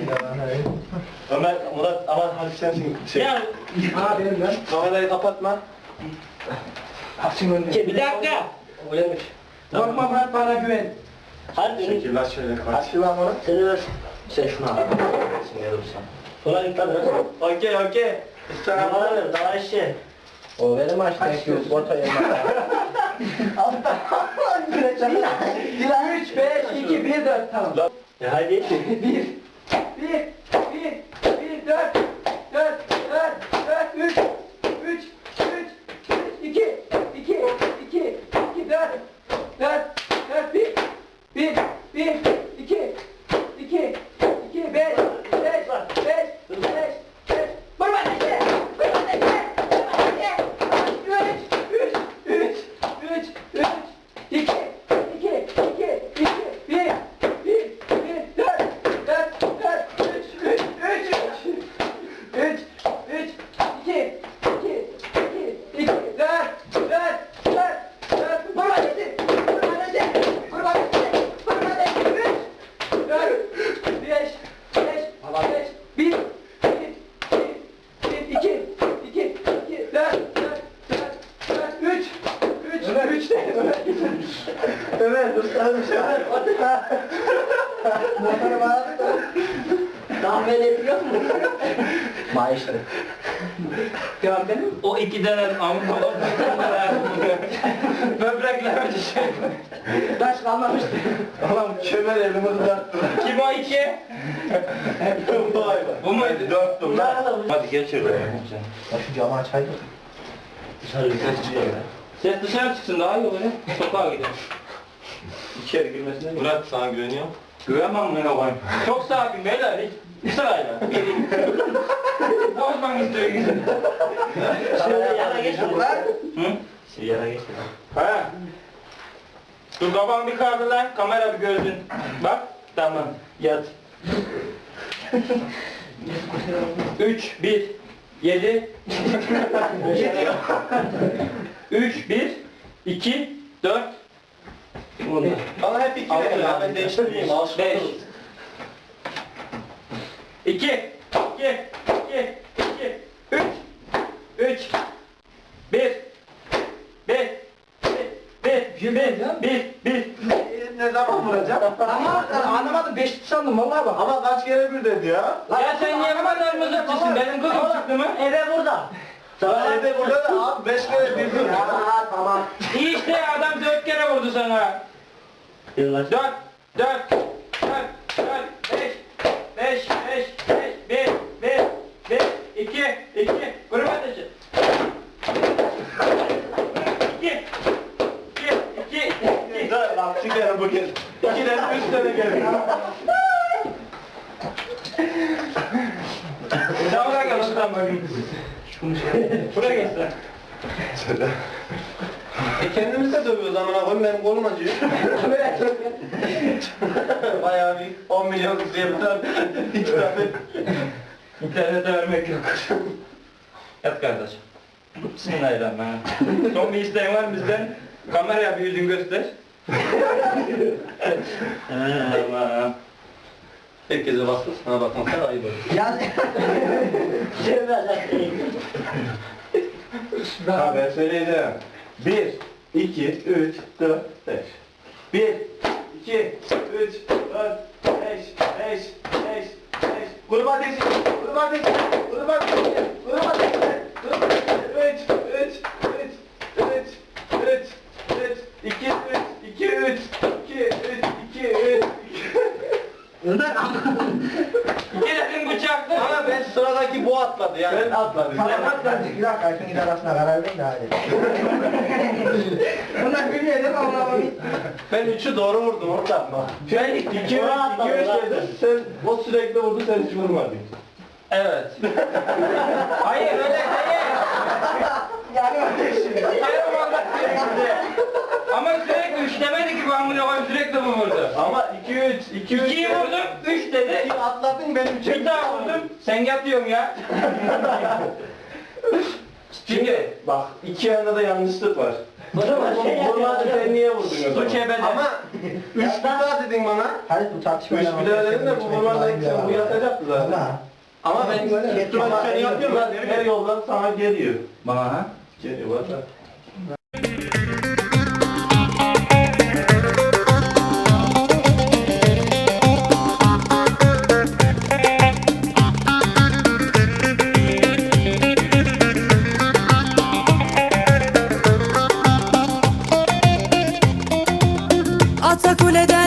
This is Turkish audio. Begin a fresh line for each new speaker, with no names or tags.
Ömer, Murat aman hadi sensin.
Ya.
Benim lan.
Kamerayı kapatma.
Açın önce.
Bir dakika.
Uyanmış.
Korkma Murat, bana güven.
Hadi.
Çekil lan şöyle.
Aç lan onu.
Seni ver. Sen şunu al. Sen gel olsan. Sola git lan biraz.
Okey.
Sana bana ver. Daha işe.
O benim açtaki orta yerine. Altta. 3, 5, 2, 1, 4 tamam.
Hadi.
3 değil.
Evet, ustadım şu an.
Motoru bağladık da.
Tahmin ediyor musun?
Maaşlı. Devam benim.
O iki tane amuk olan böbrekler düşüyor.
Taş kalmamıştı.
Allah'ım kömer elimi uzattı.
Kim o iki?
Vay vay.
Bu muydu?
Dörttüm lan.
Hadi gel şöyle.
Ya şu camı açaydım.
Dışarı ses çıkıyor ya. Ses dışarı çıksın daha iyi olur ya. Sokağa gidelim. İçeri girmesine gir.
Murat sana güveniyorum.
Güvenmem ben koyayım. Çok sakin beyler hiç. Sırayla. Bozmak istiyor. Şöyle yana geç. Hı? Şey yana geç. Ha. Dur babam bir kaldı lan. Kamera bir görsün. Bak. Tamam. Yat. 3, 1, 7 3, 1, 2, 4
Bana hep iki verin ya, ben değiştireyim.
5 2 2 2 3 3 1 1
Ne zaman vuracağım?
Ama anlamadım, 5 sandım vallahi bak.
Ama kaç kere bir dedi ya?
Ya sen niye bu kadar mızıkçısın? Benim kızım çıktı mı? Eve burada.
Sana evde burada da abi 5 kere bir dedi.
Ya tamam.
İyi işte adam 4 kere vurdu sana. 4 4 4 5 1 2 grup ateşi. 2
Dur lan şu kere bugün. 2 tane 3 tane geldi.
Sen buraya gel ustam bakayım. Buraya gel sen.
Söyle. Kendimiz de dövüyoruz amına koyayım, benim kolum acıyor. Bayağı bir 10 milyon diye bir tane, 2 tane.
İnternete vermek yok. Yat kardeşim. Bismillahirrahmanirrahim. Son bir isteğin var mı bizden? Kameraya bir yüzün göster. Tamam.
Herkese baksın, sana bakma sen ayıp olur.
Ya
Ha ben söyleyeceğim. 1, 2, 3, 4, 5. 1, 2, 3, 4, 5. Gruba ateşi, gruba ateşi, gruba ateşi, gruba ateşi, gruba ateşi. 2, 3.
İki dedim bıçaklı.
Ama ben sıradaki bu atladı yani. Ben atladım.
tamam atladık. Bir dakika, ikiniz arasına karar verin de hadi. Bunlar biliyor değil mi Allah'ım?
Ben 3'ü doğru vurdum orada.
Ben
2, 3 dedim. Sen o sürekli vurdu, sen hiç vurmadın.
Evet. Hayır öyle değil.
Yani öyle şimdi.
Yarım anda sürekli. Ama sürekli üç demedi ki ben bunu koyayım sürekli bu vurdu.
Ama 2, 3.
2'yi vurdum, 3 dedi.
Atladın benim için.
Bir daha vurdum, sen yatıyorsun ya.
Şimdi bak iki yanda da yanlışlık var.
O zaman şey
Vurmadın sen niye vurdun o zaman?
Su kebede.
Ama 3 bir daha dedin bana.
Hayır bu tartışma.
3 bir daha dedin de bu vurmadın sen bu yatacaktı zaten. Ama ben üstüme düşeni yapıyorum lan. Her yoldan sana geliyor.
Bana ha?
Geliyor valla.
Atakule'den